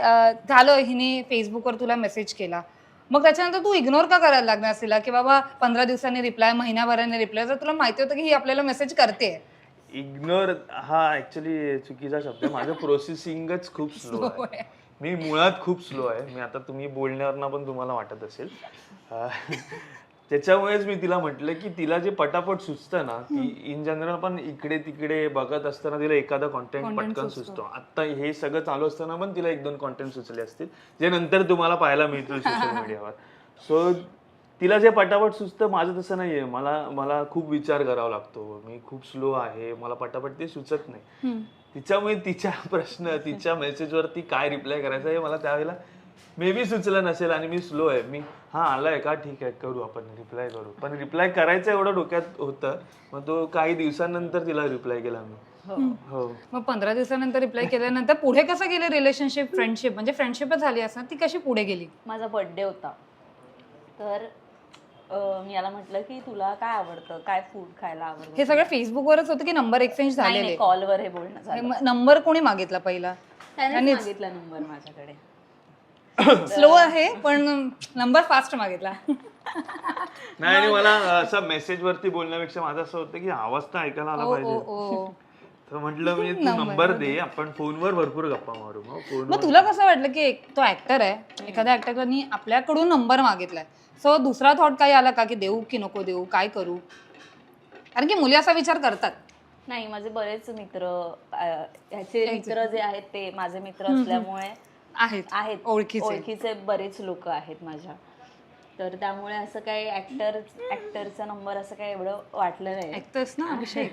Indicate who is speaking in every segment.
Speaker 1: झालं हिने फेसबुकवर तुला मेसेज केला, मग त्याच्यानंतर तू इग्नोर का करायला लागणार तिला की बाबा 15 दिवसांनी रिप्लाय, महिन्याभराने रिप्लाय, जर तुला माहिती होतं की ही आपल्याला मेसेज करते.
Speaker 2: इग्नोर हा ऍक्च्युली चुकीचा शब्द आहे. माझं प्रोसेसिंगच खूप स्लो आहे. मी मुळात खूप स्लो आहे. मी आता तुम्ही बोलण्यावरनं पण तुम्हाला वाटत असेल. त्याच्यामुळेच मी तिला म्हटलं की तिला जे पटापट सुचतं ना, ती इन जनरल पण इकडे तिकडे बघत असताना तिला एखादा कॉन्टेंट पटकन सुचतो. आता हे सगळं चालू असताना पण तिला 1-2 कॉन्टेंट सुचले असतील जे नंतर तुम्हाला पाहायला मिळतील सोशल मीडियावर. सो तिला जे पटापट सुचतं, माझं तसं नाहीये. मला खूप विचार करावा लागतो. मी खूप स्लो आहे. मला पटापट ते सुचत नाही. तिच्यामुळे तिच्या प्रश्न, तिच्या मेसेजवरती काय रिप्लाय करायचा हे मला त्यावेळेला मे बी सुचलं नसेल आणि मी स्लो आहे. मी आलाय का, ठीक आहे, करू, आपण रिप्लाय करू. पण रिप्लाय करायचं एवढं डोक्यात होतं. मग तो काही दिवसांनंतर तिला रिप्लाय केला मी. हो.
Speaker 1: मग 15 दिवसानंतर रिप्लाय केल्यानंतर पुढे कसं गेलं रिलेशनशिप, फ्रेंडशिप? म्हणजे फ्रेंडशिपच झाली असं, ती कशी पुढे गेली?
Speaker 3: माझा बर्थडे होता, तर मी याला म्हटलं की तुला काय आवडतं, काय फूड खायला आवडतं.
Speaker 1: हे सगळं फेसबुकवरच होतं की नंबर एक्सचेंज झालेले?
Speaker 3: कॉलवर हे बोलणं झालं.
Speaker 1: नंबर कोणी मागितला पहिला?
Speaker 3: त्याने मागितला नंबर माझ्याकडे.
Speaker 1: स्लो आहे पण नंबर फास्ट मागितला.
Speaker 2: नाही, आणि मला असं मेसेज वरती बोलण्यापेक्षा माझं असं होतं की आवाज तर ऐकायला आला पाहिजे. तर म्हटलं मी तू नंबर दे, आपण फोनवर भरपूर गप्पा मारू.
Speaker 1: मग तुला कसं वाटलं की तो ऍक्टर आहे, एखाद्या ऍक्टरनी आपल्याकडून नंबर मागितलाय, सो दुसरा थॉट काही आला का की देऊ की नको देऊ, काय करू? कारण की मुली असा विचार करतात.
Speaker 3: नाही, माझे बरेच मित्र, ह्याचे मित्र जे आहेत ते माझे मित्र असल्यामुळे आहेत ओळखीचे बरेच लोक आहेत माझ्या. तर त्यामुळे असं काही ऍक्टरचा नंबर असं काही एवढं वाटलं नाही.
Speaker 1: ऍक्टर्स ना अभिषेक.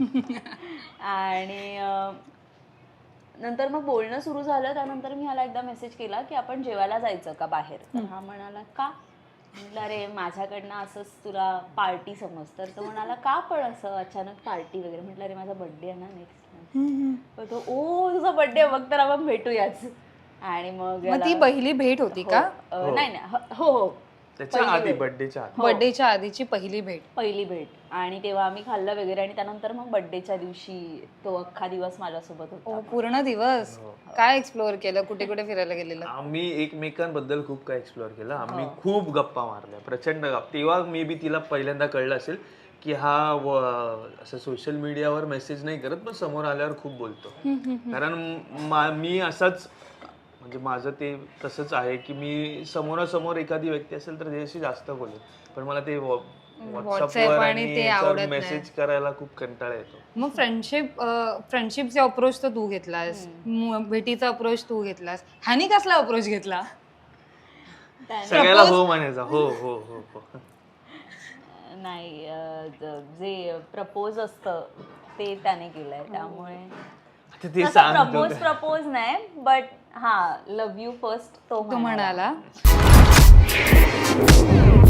Speaker 3: आणि नंतर मग बोलणं सुरू झालं. त्यानंतर मी ह्याला एकदा मेसेज केला की आपण जेवायला जायचं का बाहेर. तर हा म्हणाला का. म्हटलं अरे माझ्याकडनं असंच तुला पार्टी समज. तर तो म्हणाला का पण असं अचानक पार्टी वगैरे. म्हटलं अरे माझा बर्थडे आहे ना नेक्स्ट. तो ओ तुझा बर्थडे, मग तर आपण भेटूयाच. आणि मग
Speaker 1: ती पहिली भेट होती का?
Speaker 3: नाही, हो,
Speaker 2: त्याच्या आधी,
Speaker 1: बर्थडेच्या आधीची पहिली भेट.
Speaker 3: आणि तेव्हा आम्ही खाल्लं वगैरे. आणि त्यानंतर मग बर्थडेच्या दिवशी तो अख्खा दिवस माझ्यासोबत होता.
Speaker 1: पूर्ण दिवस. काय एक्सप्लोअर केलं, कुठे कुठे फिरायला गेलेलं?
Speaker 2: आम्ही एकमेकांबद्दल खूप काय एक्सप्लोअर केलं. आम्ही खूप गप्पा मारल्या, प्रचंड गप्पा. तेव्हा मे बी तिला पहिल्यांदा कळलं असेल की हा असं सोशल मीडियावर मेसेज नाही करत, पण समोर आल्यावर खूप बोलतो. कारण मी असाच, म्हणजे माझं ते तसंच आहे की मी समोरासमोर एखादी व्यक्ती असेल तर त्याच्याशी जास्त बोलेल, पण मला ते व्हॉट्सअपवर आणि मेसेज करायला खूप कंटाळा येतो.
Speaker 1: मग फ्रेंडशिपचा अप्रोच तर तू घेतलास, भेटीचा अप्रोच तू घेतलास, ह्यानी कसला अप्रोच घेतला?
Speaker 2: सगळ्याला हो म्हणायचा. हो हो हो हो.
Speaker 3: नाही, जे प्रपोज असतं ते त्याने केलंय. त्यामुळे प्रपोज नाही, बट लव्ह यू फर्स्ट तो म्हणाला.